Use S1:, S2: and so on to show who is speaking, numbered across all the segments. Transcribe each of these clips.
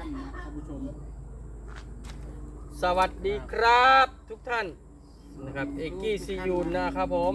S1: ท่านนะท่านผู้ชม
S2: สวัสดีครับทุกท่านนะครับเอกกี้ซียูนนะครับผม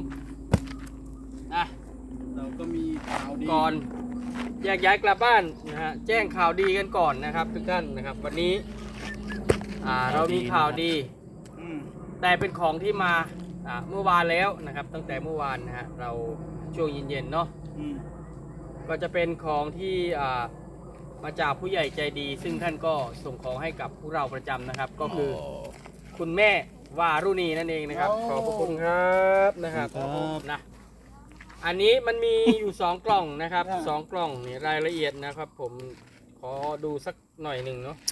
S1: เราก็มีข่าวดี
S2: ก่อนแยกย้ายกลับบ้านนะฮะแจ้งข่าวดีกันก่อนนะครับทุกท่านนะครับวันนี้เรามีข่าวดีแต่เป็นของที่มาเมื่อวานแล้วนะครับตั้งแต่เมื่อวานนะฮะเราช่วงเย็นๆเนาะก็จะเป็นของที่มาจากผู้ใหญ่ใจดีซึ่งท่านก็ส่งของให้กับพวกเราประจำนะครับก็คือคุณแม่วารุณีนั่นเองนะครับขอบพระคุณครับนะครับนะอันนี้มันมีอยู่2 กล่องนะครับ2 กล่องนี่รายละเอียดนะครับผมขอดูสักหน่อยหนึ่งเนาะ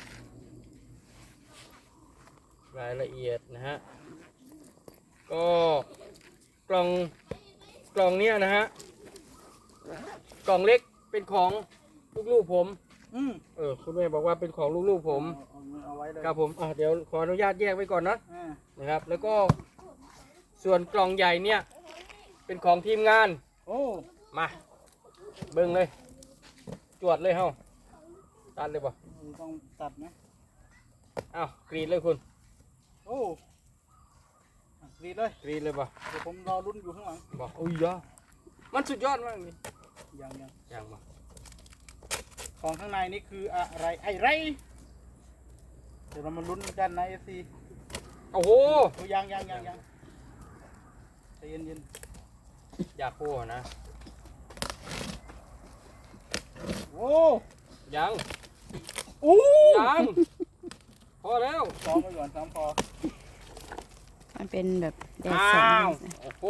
S2: รายละเอียดนะฮะก็กล่องเนี้ยนะฮะกล่องเล็กเป็นของลูกๆผมคุณแม่บอกว่าเป็นของลูกๆผมครับผมเดี๋ยวขออนุญาตแยกไว้ก่อนนะครับแล้วก็ส่วนกล่องใหญ่เนี่ยเป็นของทีมงานมาเบิ่งเลยจวดเลยเฮ้าตัดเลยป่ะ
S1: ต้องตัดนะ
S2: กรีดเลยคุณ
S1: กรีดเลย
S2: ป่ะ
S1: เดี๋ยวผมรอรุ่นอยู่ข้างหลัง
S2: บอกอุ้ยยะมันสุดยอดมากเลย
S1: ยังมาของข้างในนี่คืออะไรเดี๋ยวเรามาลุ้นกันนะFC
S2: โอ้โห
S1: ยังใจเย็น
S2: อยากโค้นะยังพอแล้ว
S1: ซ้อมไปก่อนซ้อมพอ
S3: มันเป็นแบบแดดสอง
S2: โอ้โห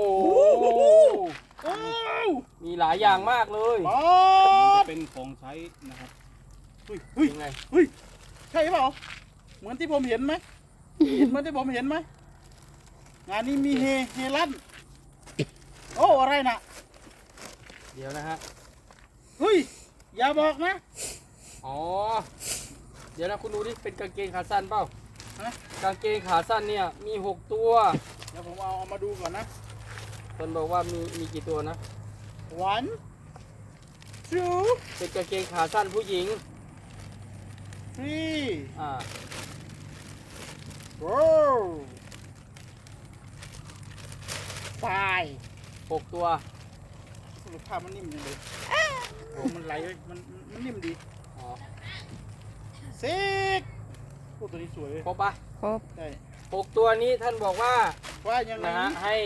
S2: มีหลายอย่างมากเลย
S1: จะเป็นของใช้นะครับ
S2: ยังไง
S1: ใช่เปล่าเหมือนที่ผมเห็นไหมเหมือนที่ผมเห็นไหมงานนี้มีเฮลั่นอะไรน่ะ
S2: เดี๋ยวนะฮะ
S1: อย่าบอกนะ
S2: เดี๋ยวนะคุณดูดิเป็นกางเกงขาสั้นเปล่ากางเกงขาสั้นเนี่ยมี6 ตัว
S1: เดี๋ยวผมเอามาดูก่อนนะ
S2: คนบอกว่ามีกี่ตัวนะ
S1: 1 2
S2: เป็นกางเกงขาสั้นผู้หญิง
S1: 3 4 5
S2: 6 ตัว
S1: สรุปภาพมันนิ่มจังเลยมันไหลเลยมันนิ่มดี6ตัวนี้สวยเลย
S2: ครบปะ
S3: ครบ
S1: ใช่
S2: 6 ตัวนี้ท่านบอกว่า
S1: ยังไง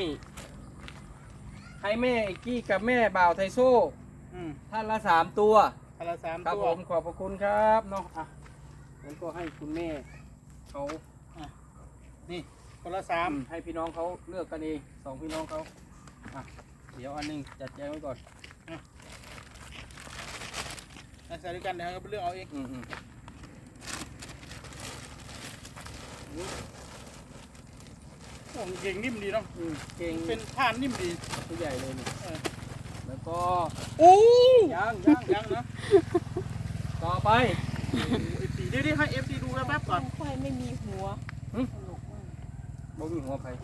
S2: ให้แม่ไอ้กี้กับแม่บ่าวไทโซ่ท่านละ3 ตัวครับผมขอบพระคุณครับเนาะงั้นก็ให้คุณแม่เขา
S1: นี่คนละ3
S2: ให้พี่น้องเขาเลือกกันเอง2 พี่น้องเขาเดี๋ยวอันนึงจัดแจงไว้ก่อน
S1: ใส่ด้วยกันเดี๋ยวเขาไปเลือกเอาเองเก่งนิ่มดีเนาะ
S2: เก่ง
S1: เป็นผ้านิ่มดี
S2: ตัวใหญ่เลยนี่แล้วก็ยังนะต่อไป
S1: เดี๋ยวให้ FC ดูแป๊บก่อน
S3: ค่อยไม่มีหัว
S2: บ่มีหัวใคร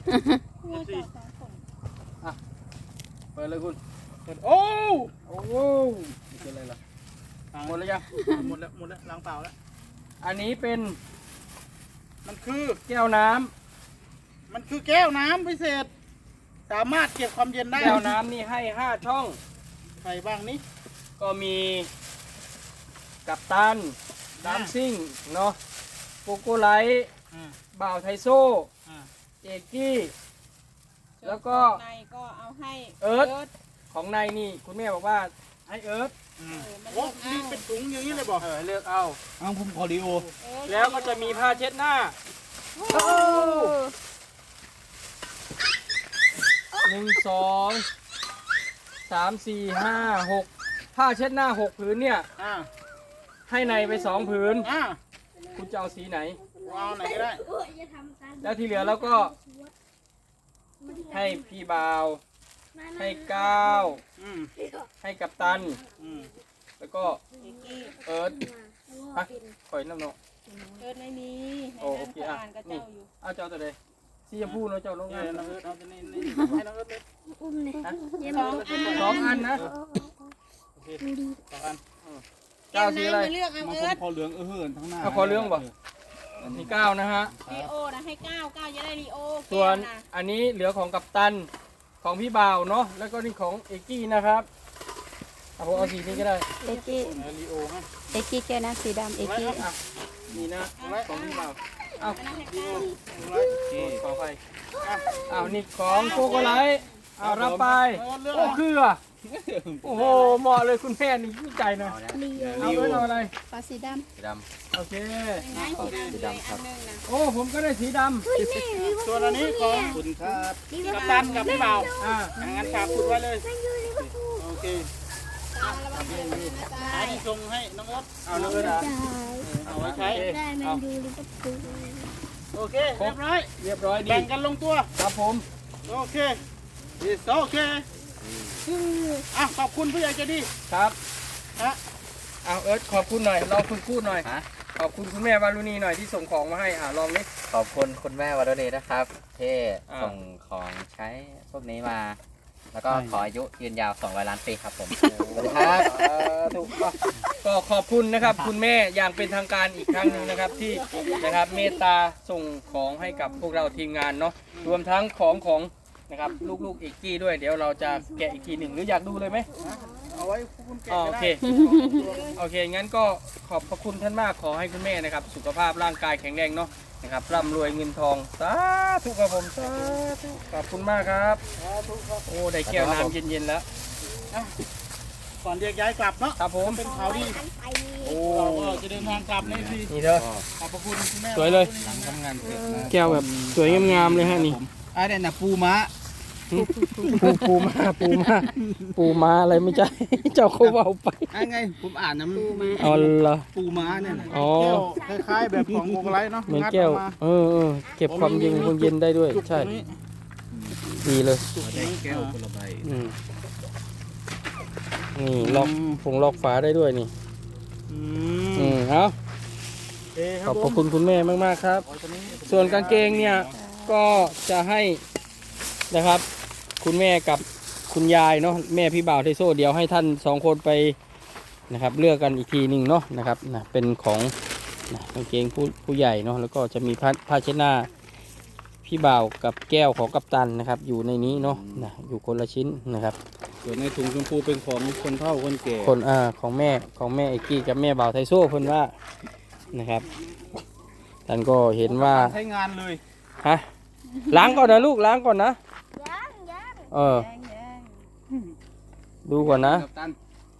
S2: เปิดเลยคุณ
S1: โอ้
S2: เป็นอะไรล่ะหมดแล้วยัง
S1: หมดแล้วล้างเปล่าแล้ว
S2: อันนี้เป็น
S1: มันคือ
S2: แก้วน้
S1: ำมันคือแก้วน้ำพิเศษสามารถเก็บความเย็นได้
S2: แก้วน้ำนี่ให้5 ช่อง
S1: ใครบ้างนี่
S2: ก็มีกัปตันดัมซิ่งเนาะโกโกไลท์บ่าวไทโซ่เอกกี้แล้วก็
S3: ในก็เอาให้
S2: เอิร์ธของในนี่คุณแม่บอกว่าให้เอิร์ธ
S1: นี่เป็นถุงอย่างนี้เลยบอก
S2: เลือกเอา
S1: ผมขอดีโอ
S2: แล้วก็จะมีผ้าเช็ดหน้า1 2 3 4 5 6ผ้าเช็ดหน้า6 ผืนเนี่ยให้ในไป2 ผืนคุณจะเอาสีไหน
S1: เอาไหนก็ได้
S2: แล้วที่เหลือแล้วก็ให้พี่บ่าวให้ก้าวให้กัปตันแล้วก็เอิร์ธปล่อยน้ำเนาะ
S3: เอิร์ธไม่มี
S2: โอเคนี่เอาเจ้าตัวใดสีชมพูเนาะเจ้าลงงาน
S1: น้องเอิร์ธเอาตัวนี้ให้น้องเอิร์ธเลย
S3: อุ้มเลย
S2: 2 อันนะ
S1: โอเค2 อัน
S2: เก้าสีอะไร
S4: เลือกเอา
S1: มา
S4: เอิร์ธ
S1: คอเหลืองเหินทั้งหน้า
S2: เอาคอเหลืองบ่ มีเก้านะฮะ
S4: ลีโอนะให้เก้าจะได้ลีโอ
S2: ส่วน
S4: แก้นะ
S2: อันนี้เหลือของกัปตันของพี่บ่าวเนาะแล้วก็นี่ของเอกกี้นะครับเอาผมเอาสีนี้ก็ได้
S3: เอ็กกี้
S1: ลีโอฮะ
S3: เอ็กกี้แก้น้ำสีดำเอ็กกี้
S2: อ่ะนี่นะของพี่บ่าวเอา
S4: อันนั้นให้เก้า
S2: ขอไปเอานี่ของโกโกไลท์เอารับไปโอ้คืออ่ะโอ้โหเหมาะเลยคุณแม่นี่ชื่นใจนะเอาไว้เอาอะไร
S3: ฟ้าสีด
S2: โอเค
S4: เป็นไงสีดำครับอันหนึงนะ
S2: โอ้ผมก็ได้สีดำ
S1: ส่วนอันนี้ของคุณครับกัปตันกับพี่บ่าว
S2: อ่า
S1: งั้นฝากคุณไว้เลยโอเค
S4: ตาระวังมือนะจ๊ะ
S1: อันนี้ส่งให้น้องเอิร์ธ
S2: เอาเลยนะ
S1: เอาไว้ใช้
S2: เอา
S1: โอเคเรียบร้อย
S2: เรียบร้อยดี
S1: แบ่งกันลงตัว
S2: ครับผม
S1: โอเคโอเคอ่ะขอบคุณผู้ใหญ่ใจดี
S2: ครับ
S1: ฮะ
S2: เอาเอิร์ธขอบคุณหน่อยลองคุณพูดหน่อยขอบคุณคุณแม่วารุณีหน่อยที่ส่งของมาให้ลองดิ
S5: ขอบคุณคุณแม่วันนี้นะครับที่
S2: อ่า
S5: ส่งของใช้พวกนี้มา แล้วก็ขออายุยืนยาว200 ล้านปีครับผม สวัสดีครับ
S2: ถูกต้องก็ขอบคุณนะครับ คุณแม่อย่างเป็นทางการอีกครั้งหนึ่งนะครับที่นะครับเมตตาส่งของให้กับพวกเราทีมงานเนาะรวมทั้งของนะครับลูกๆเอกกี้ด้วยเดี๋ยวเราจะแกะอีกทีหนึ่งหรืออยากดูเลยไหม
S1: เอาไว้คุณแกะ
S2: อ๋อ
S1: ก็
S2: โอ
S1: ได้
S2: เคโอเคงั้นก็ขอบพระคุณท่านมากขอให้คุณแม่นะครับสุขภาพร่างกายแข็งแรงเนาะนะครับร่ำรวยเงินทองสาธุครับผมสาธุขอบคุณมากครับโอ้ได้แก้วน้ำเย็นๆแล้ว
S1: ก่อนเรียกย้ายกลับเนาะ
S2: ครับผม
S1: เป็นข่าวดี
S2: โอ้
S1: เราก็จะเดินทางกลับในที
S2: นี่เด้อ
S1: ขอบพระคุณคุณแม่
S2: สวยเลย
S1: ทำงานเสร็จนะ
S2: แก้วแบบสวยงามๆเลยฮะนี่
S1: อันนี้นะปูม้า
S2: ปูม้าอะไรไม่ใช่ เจ้าเขาเอาไป
S1: ไงผมอ่านนะมัน
S2: อ๋อเหรอ
S1: ปูม้าเนี่ยนะ
S2: อ๋อ
S1: แก้วคล้ายๆแบบของโกไลท์เนาะ
S2: เหมือนแก้ว
S1: งัดออมา
S2: เออเก็บความเย็นได้ด้วย
S1: จุก
S2: ใช่
S1: ตรงนี้
S2: ดีเลย
S1: จุกตรงนี้
S5: แก้วคนละใบ
S2: อืมนี่ล็อกล็อกฝาได้ด้วยนี่ เอา
S1: เอ๊ะค
S2: ข
S1: รั
S2: อ
S1: บบ
S2: พระคุณคุณแม่มากๆครับ ส่วนกางเกงเนี่ยก็จะให้นะครับ คุณแม่กับคุณยายเนาะแม่พี่บ่าวไทโซ่เดี๋ยวให้ท่านสองคนไปนะครับ เลือกกันอีกทีหนึ่งเนาะนะครับนะเป็นของนะกางเกงผู้ใหญ่เนาะแล้วก็จะมีผ้าเช็ดหน้าพี่บ่าวกับแก้วของกัปตันนะครับ อยู่ในนี้เนาะนะอยู่คนละชิ้นนะครับ
S1: ส่วนในถุงชมพูเป็นของคนเฒ่าคนแก่
S2: คนของแม่เอกกี้กับแม่บ่าวไทโซ่เพิ่นว่านะครับท่านก็เห็นว่า
S1: ใช้งานเลย
S2: ฮะล้างก่อนนะลูกล้างก่อนนะเออ ดูก่อนนะ
S1: กับตัน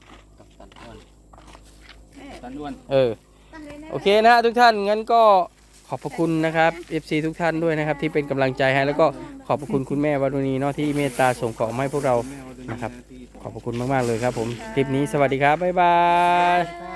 S1: อ้วน
S2: เออโอเคนะฮะทุกท่านงั้นก็ขอบพระคุณนะครับ FC ทุกท่านด้วยนะครับที่เป็นกำลังใจให้แล้วก็ขอบพระคุณคุณแม่วารุณีเนาะที่เมตตาส่งของมาให้พวกเรานะครับขอบพระคุณมากๆเลยครับผมคลิปนี้สวัสดีครับบ๊ายบาย
S1: ๆ